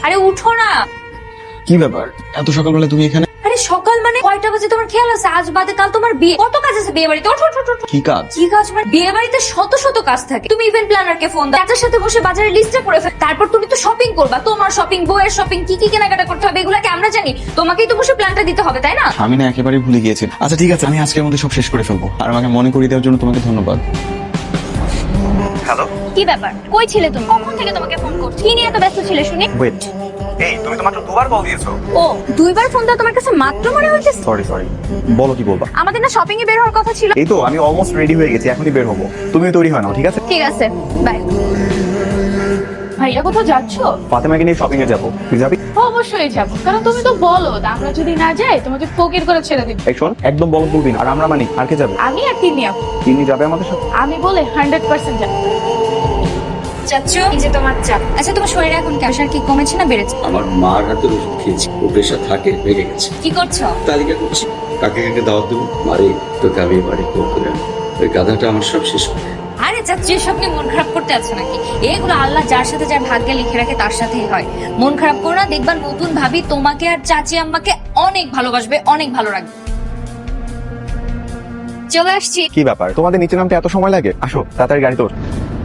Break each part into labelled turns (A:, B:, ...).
A: আরে উঠো না।
B: কি ব্যাপার এত সকালবেলা তুমি এখানে?
A: আরে সকাল মানে কয়টা বাজে তোমার খেয়াল আছে? আজ বাদে কাল তোমার বিয়ে, কত কাজ আছে বিয়ে বাড়িতে। ওঠো ওঠো ওঠো।
B: কি কাজ?
A: কি কাজ মানে বিয়ে বাড়িতে শত শত কাজ থাকে। তুমি ইভেন্ট প্ল্যানারকে ফোন দাও, চাচার সাথে বসে বাজারের লিস্টটা করে ফেল। তারপর তুমি তো শপিং করবা, তোমার শপিং, বউয়ের শপিং, কি কি কেনাকাটা করতে হবে এগুলাকে আমরা জানি, তোমাকেই তো বসে প্ল্যানটা দিতে হবে, তাই না?
B: আমি না একেবারেই ভুলে গিয়েছি। আচ্ছা ঠিক আছে, আমি আজকের মধ্যে সব শেষ করে ফেলবো। আর আমাকে মনে করিয়ে দেওয়ার জন্য তোমাকে ধন্যবাদ।
C: হ্যালো,
A: কি ব্যাপার, কই ছিলে তুমি? কখন থেকে তোমাকে ফোন করছি, কি নিয়ে এত ব্যস্ত ছিলে শুনি?
B: ওয়েট,
C: এই তুমি তো মাত্র দুবার কল দিয়েছো।
A: ও, দুইবার ফোন দাও তোমার কাছে মাত্র মনে হচ্ছে?
B: সরি, বলো কি বলবা?
A: আমাদের না শপিং এ বের হওয়ার কথা ছিল।
B: এই তো আমি অলমোস্ট রেডি হয়ে গেছি, এখনই বের হবো। তুমিও তৈরি হয় নাও, ঠিক আছে?
A: ঠিক আছে, বাই।
D: ভাইয়া কোথাও যাচ্ছ?
B: ফাতেমাকে নিয়ে শপিং এ যাবো, তুই যাবি?
D: অবশ্যই যাবো, কারণ তুমি তো বলো আমরা যদি না যাই তোমাকে ফকির করে ছেড়ে দিবে।
B: এই শোন, একদম বলো বলবি না। আর আমরা মানি, আর কে যাবে?
D: আমি আর তিনি আপু।
B: তিনি যাবে আমাদের সাথে?
D: আমি বলে 100% যাবো।
A: চাচ্চু, এই যে তোমার চা। আচ্ছা, তোমার শরীরে এখন প্রেশার কি কমেছে না বেড়েছে?
E: আমার মার হাতের ওষুধ খেয়েছি, ও প্রেশার থাকে, ভেঙে গেছে।
A: কি করছো?
E: তালিকা করছি কাকে কাকে দাওয়াত দেবো। মারে তোকে আমি বাড়ি কল করে আনবো। ওই গাধাটা আমার সব শেষ করে।
A: আরে চাচ্চু, এসব নিয়ে মন খারাপ করতে আছে নাকি? এগুলো আল্লাহ যার সাথে যার ভাগ্যে লিখে রাখে তার সাথেই হয়। মন খারাপ করো না, দেখবা নতুন ভাবি তোমাকে আর চাচি আম্মাকে অনেক ভালোবাসবে, অনেক ভালো রাখবে। চলে আসছি।
B: কি ব্যাপার, তোমাদের নিচে নামতে এত সময় লাগে? আসো তাড়াতাড়ি গাড়ি তোর।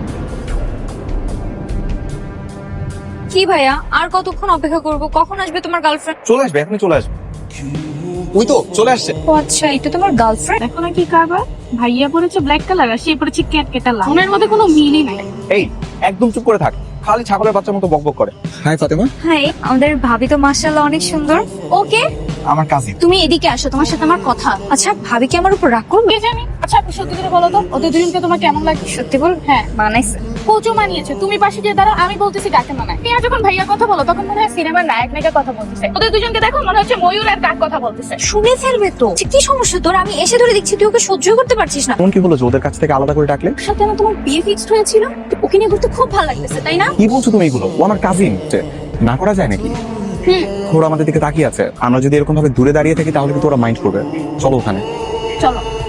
A: কি ভাইয়া, আর কতক্ষণ অপেক্ষা করব? কখন আসবে তোমার গার্লফ্রেন্ড?
B: চলে আসবে, এখনই চলে আসবে। ওই তো চলে আসছে।
A: ও আচ্ছা, এটা তোমার গার্লফ্রেন্ড?
D: দেখো না কি কারবার, ভাইয়া পরেছে ব্ল্যাক কালার আর সে পরেছে ক্যাট কেটা লাল। ওনার মধ্যে কোনো মিলই নাই।
B: এই একদম চুপ করে থাক, খালি ছাগলের বাচ্চার মতো বকবক করে। হাই ফাতেমা।
A: হাই, আমাদের ভাবি তো মাশাআল্লাহ অনেক সুন্দর। ওকে,
B: আমার কাজিন।
A: তুমি এদিকে আসো, তোমার সাথে আমার কথা। আচ্ছা, ভাবি কি আমার উপর রাগ করবে?
D: কে জানি। আচ্ছা আপু সত্যি করে বলো তো, ওদের দুজনকে তোমার কেমন লাগে?
A: সত্যি বল।
D: হ্যাঁ,
A: মানাইছে।
D: কোচও মানিয়েছে। তুমি পাশে গিয়ে দাঁড়াও, আমি বলতেছি কাকে মানায়। তুমি আর যখন ভাইয়া কথা বলো তখন মনে হয় সিনেমার নায়ক নায়িকার কথা বলতেছে। ওদের দুজনকে দেখো মনে হচ্ছে ময়ূর আর কাক কথা বলতেছে।
A: শুনে ফেলবে তো। কি সমস্যা তোর? আমি এসে ধরে দেখছি তুই ওকে সহ্য করতে পারছিস না।
B: এমন কি হলো যে ওদের কাছ থেকে আলাদা করে ডাকলে?
A: ওর সাথে না তোমার বিয়ে ফিক্সড হয়েছিল, ওকে নিয়ে ঘুরতে খুব ভালো লাগতেছে, তাই না?
B: কি বলছো তুমি এগুলো? ও আমার কাজিন, না করা যায় নাকি? ওরা আমাদের দিকে তাকিয়ে আছে, আমরা যদি এরকম ভাবে দূরে দাঁড়িয়ে থাকি তাহলে কিন্তু ওরা মাইন্ড করবে। চলো ওখানে।
D: চলো।